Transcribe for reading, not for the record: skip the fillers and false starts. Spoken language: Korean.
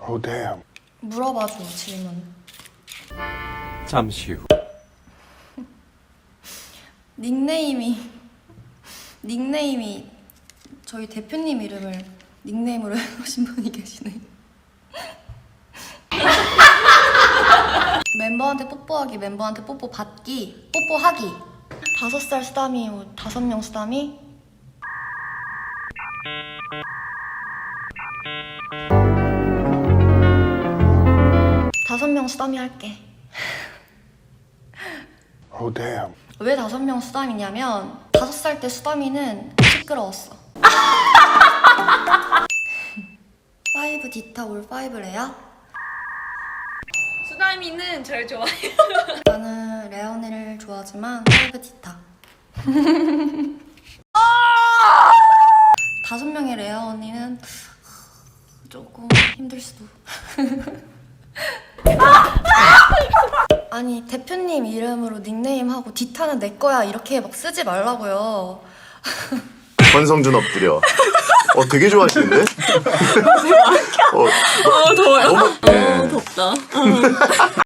Oh damn. 물어봐줘 질문. 잠시 후. 닉네임이 저희 대표님 이름을 닉네임으로 해놓으신 분이 계시네. 멤버한테 뽀뽀하기, 멤버한테 뽀뽀 받기, 뽀뽀하기. 5살 수담이, 5명 수담이. 다섯 명 수담이 할게. Oh damn. 왜 5명 수담이냐면 5살 때 수담이는 시끄러웠어. 5 디타 올 5레야? 수다미는 절 좋아해요. 나는 레오니를 좋아하지만 5 디타. 5명의 레아 언니는 조금 힘들 수도. 아니 대표님 이름으로 닉네임하고 디타는 내 거야 이렇게 막 쓰지 말라고요. 권성준 엎드려. 되게 좋아하시는데? 더워요. 너무, 네. 덥다.